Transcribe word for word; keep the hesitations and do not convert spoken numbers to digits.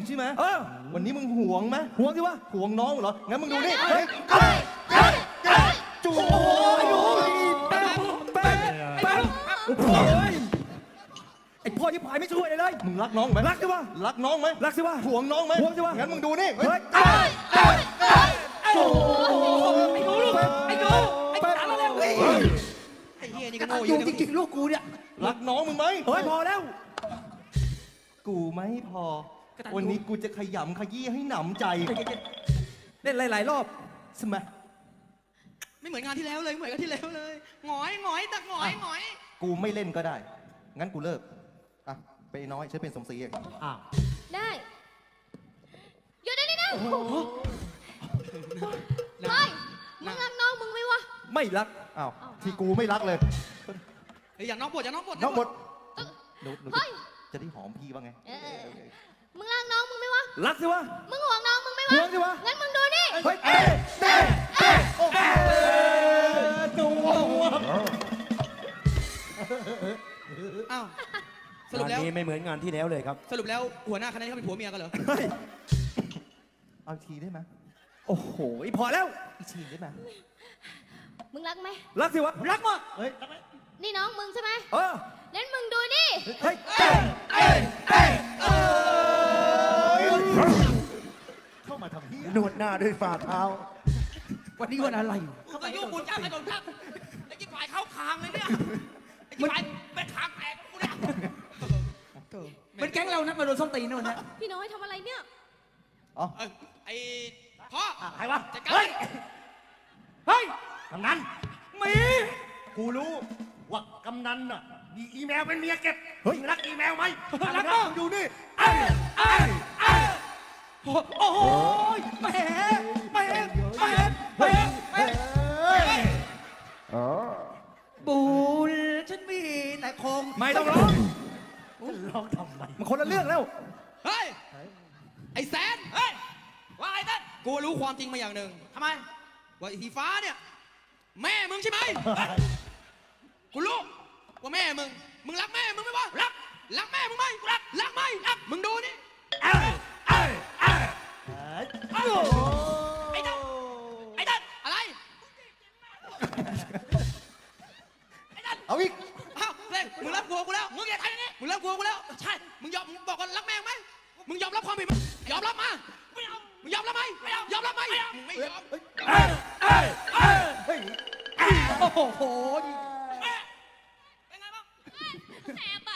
ใช่ไหมเออวันนี้มึงหวงไหมห่วงสิวะหวงน้องเหรอ งั้นมึงดูนี่เฮ้ยจูโอ้ยแป๊บแป๊บแป๊บโอ้ยไอ้พ่อที่ผายไม่ช่วยเลยเลยมึงรักน้องไหมรักสิวะรักน้องไหมรักสิวะหวงน้องไหมห่วงสิวะงั้นมึงดูนี่เฮ้ยโอ้ไอ้หนูลูกไอ้หนูไอ้จ๋ามาเร็วไอ้เฮียนี่ก็โง่อยู่จริงๆลูกกูเนี่ยรักน้องมึงไหมเฮ้ยพอแล้วกูไม่พอ วันนี้กูจะขยำขยี้ให้หนำใจเล่นหลายๆรอบใช่ไหมไม่เหมือนงานที่แล้วเลยเหมือนกันที่แล้วเลยหงอยหงอยตักหงอยหงอยกูไม่เล่นก็ได้ งั้นกูเลิก อ่ะ ไปน้อยฉันเป็นสมศรีเองอ้าวได้หยุดได้เลยนะเฮ้ยมึงรักน้องมึงไหมวะไม่รักอ้าว ที่กูไม่รักเลยเฮ้ยอย่าน้องปวดอย่าน้องปวดน้องหมดหนูหนูเฮ้ยจะได้หอมพี่บ้างไงเออมึงรักน้องมึงไหมวะรักสิวะมึงห่วงน้องมึงไหมวะห่วงสิวะงั้นมึงดูนี่เฮ้ยเอ๊ะเอ๊ะเอ๊ะโอ้โหอ้าวสรุปแล้วงานนี้ไม่เหมือนงานที่แล้วเลยครับสรุปแล้วหัวหน้าคณะเขาเป็นผัวเมียกันเหรอเฮ้ยเอาอีกทีได้ไหมโอ้โหพอแล้วอีกทีได้ไหมมึงรักไหมรักสิวะ รักมากเฮ้ยนี่น้องมึงใช่ไหมเอองั้นมึงดูนี่เฮ้ยเข้ามาทำพี่นวดหน้าด้วยฝ่าเท้าวันนี้วันอะไรกูก็ยุ่งบุญจ้างไอ้โดนทักไอ้กิ๊บฝ่ายเข้าคางเลยเนี่ยไอ้กิ๊บฝ่ายเป็นคางแตกกูเนี่ยเป็นแก๊งเรานัดมาโดนส้นตีนนู่นนะพี่น้อยทำอะไรเนี่ยอ๋อเออไอ้พ่อใครวะจัดการเฮ้ย เฮ้ย กำนันมีกูรู้ว่ากำนันน่ะมีอีเมลเป็นเมียเก็บเฮ้ยมึงรักอีเมลไหมรักนะมากมึงดูนี่โอ้โหแหมแหมแหมแหมแหมบุญฉันมีแต่คงไม่ต้องร้องร้องทำไมมันคนละเรื่องแล้วเฮ้ยไอ้แสนเฮ้ยว่าไอ้นั่นกูรู้ความจริงมาอย่างหนึ่งทำไมว่าไอ้สีฟ้าเนี่ยแม่มึงใช่ไหมกูรู้ว่าแม่มึงมึงรักแม่มึงไหมวะรักรักแม่มึงไหมรักรักไหมรักมึงดูนี่ไอ้นั่นไอ้นั่นอะไรไอ้นั่นเอาอีกอ้าวเฮ้ยมึงรับกลัวกูแล้วมึงอย่าทำอย่างนี้มึงรับกลัวกูแล้วใช่มึงยอมมึงบอกว่ารักแม่ไหมมึงยอมรับความผิดไหมยอมรับมาไม่ยอมมึงยอมรับไหมไม่ยอมยอมรับไหมมึงไม่ยอมโอ้โหแม่เป็นไงบ้างแสบ